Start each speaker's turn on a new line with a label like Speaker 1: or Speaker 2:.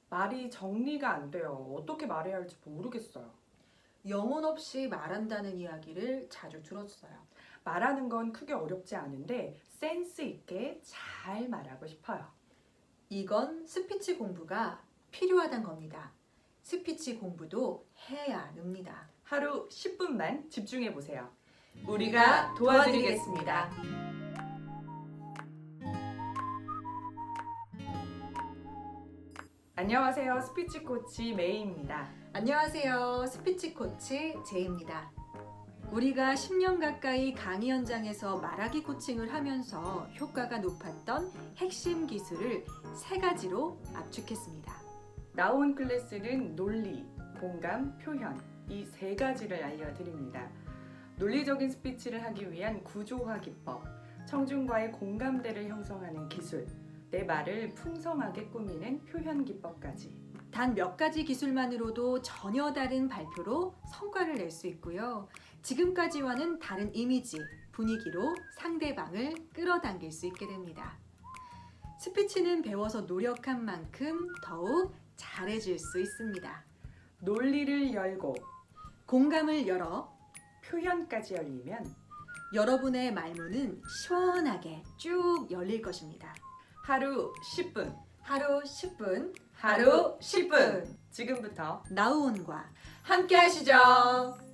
Speaker 1: 말이 정리가 안 돼요. 어떻게 말해야 할지 모르겠어요.
Speaker 2: 영혼 없이 말한다는 이야기를 자주 들었어요.
Speaker 1: 말하는 건 크게 어렵지 않은데 센스 있게 잘 말하고 싶어요.
Speaker 2: 이건 스피치 공부가 필요하단 겁니다. 스피치 공부도 해야 합니다.
Speaker 1: 하루 10분만 집중해 보세요.
Speaker 2: 우리가 도와드리겠습니다.
Speaker 1: 안녕하세요. 스피치 코치 메이입니다.
Speaker 2: 안녕하세요. 스피치 코치 제이입니다. 우리가 10년 가까이 강의 현장에서 말하기 코칭을 하면서 효과가 높았던 핵심 기술을 3가지로 압축했습니다.
Speaker 1: 나온 클래스는 논리, 공감, 표현 이 3가지를 알려드립니다. 논리적인 스피치를 하기 위한 구조화 기법, 청중과의 공감대를 형성하는 기술, 내 말을 풍성하게 꾸미는 표현 기법까지.
Speaker 2: 단 몇 가지 기술만으로도 전혀 다른 발표로 성과를 낼 수 있고요. 지금까지와는 다른 이미지, 분위기로 상대방을 끌어당길 수 있게 됩니다. 스피치는 배워서 노력한 만큼 더욱 잘해질 수 있습니다.
Speaker 1: 논리를 열고
Speaker 2: 공감을 열어
Speaker 1: 표현까지 열리면
Speaker 2: 여러분의 말문은 시원하게 쭉 열릴 것입니다.
Speaker 1: 하루 10분,
Speaker 2: 하루 10분,
Speaker 1: 하루 10분. 지금부터
Speaker 2: 나우온과
Speaker 1: 함께 하시죠.